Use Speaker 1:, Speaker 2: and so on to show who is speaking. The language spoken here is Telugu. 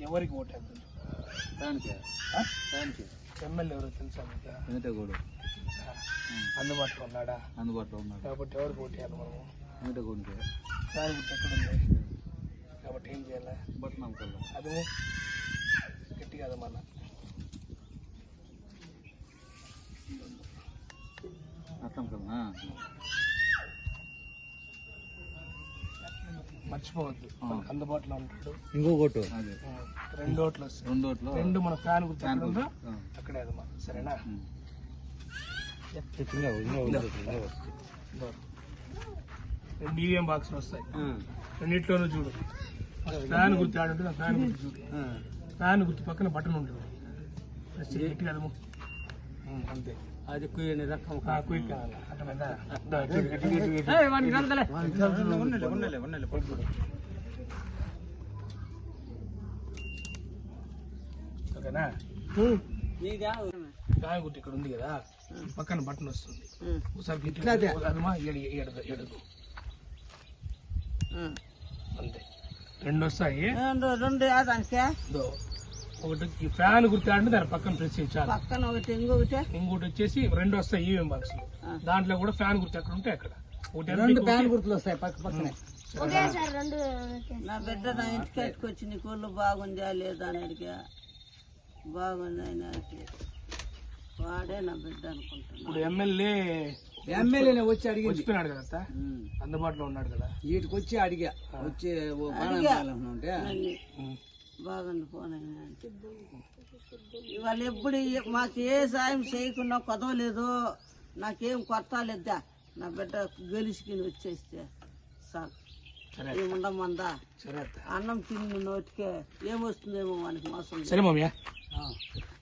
Speaker 1: ఎవరికి ఓటేద్దాం? ఎమ్మెల్యే ఎవరో తెలుసా మీకు? అందుబాటులో ఉన్నాడా?
Speaker 2: అందుబాటులో ఉన్నాడు
Speaker 1: కాబట్టి ఎవరికి ఓటేయాలి మనము?
Speaker 2: వెంకటగౌడికి.
Speaker 1: ఫ్యాన్ గుర్తు ఎక్కడుంది కాబట్టి ఏం చేయాలి?
Speaker 2: బట్నం కల్లా
Speaker 1: అది గట్టి కదా మన
Speaker 2: అర్థం కల్లా
Speaker 1: మర్చిపోవద్దు, మనకు అందుబాటులో ఉంటాడు.
Speaker 2: ఇంకో ఓటు అదే
Speaker 1: 2 ఓట్లు వస్తాయి.
Speaker 2: 2 ఓట్లు
Speaker 1: 2 మన ఫ్యాన్ గుర్తు ఎక్కడుందో అక్కడే అదమ్మా. సరేనా? 2 ఈవీఎం బాక్స్లు వస్తాయి. రెండిట్లోనూ చూడు, ఫ్యాన్ గుర్తు ఆడు ఉంటుంది. ఆ ఫ్యాన్ గుర్తు చూడు, ఫ్యాన్ గుర్తు పక్కన బటన్ ఉంటుంది. గట్టి కదము అంతే.
Speaker 2: అది కుయ్యని రకం
Speaker 1: క్విక్ కావాలి అర్థమైందా? ఓకేనా? ఫ్యాన్ గుర్తు ఇక్కడ ఉంది కదా, పక్కన బటన్ వస్తుంది. ఒకసారి ఎడదు అంతే. 2 వస్తాయి. ఒకటి ఈ ఫ్యాన్ గుర్తు అంటే దాని పక్కన ప్రెస్ చేయాలి. ఇంకోటి వచ్చేసి 2 వస్తాయి ఈవీఎం బాక్స్. దాంట్లో కూడా ఫ్యాన్ గుర్తు ఎక్కడ ఉంటే అక్కడ
Speaker 2: 2 ఫ్యాన్ గుర్తులు వస్తాయి పక్కనే.
Speaker 3: నా బిడ్డ నా ఇంటికి వచ్చి నీ కోళ్ళు బాగుందా లేదా అని అడిగా. బాగుంది అని వాడే నా బిడ్డ అనుకుంటున్నా.
Speaker 1: ఇప్పుడు ఎమ్మెల్యే వచ్చి అడిగి వచ్చిపోయినాడు కదా, అందుబాటులో ఉన్నాడు కదా.
Speaker 2: వీటికి వచ్చి అడిగా వచ్చి
Speaker 3: బాగుంది ఫోన్ అయినా ఇవాళ ఎప్పుడు మాకు ఏ సాయం చేయకుండా కొదవలేదు. నాకేం కొత్త లేదా, నా బిడ్డ గెలిచికిని వచ్చేస్తే సార్ ఏముండమందా. అన్నం తిని నోటికే ఏమొస్తుందేమో మనకి మోసం.
Speaker 1: సరే మామయ్య.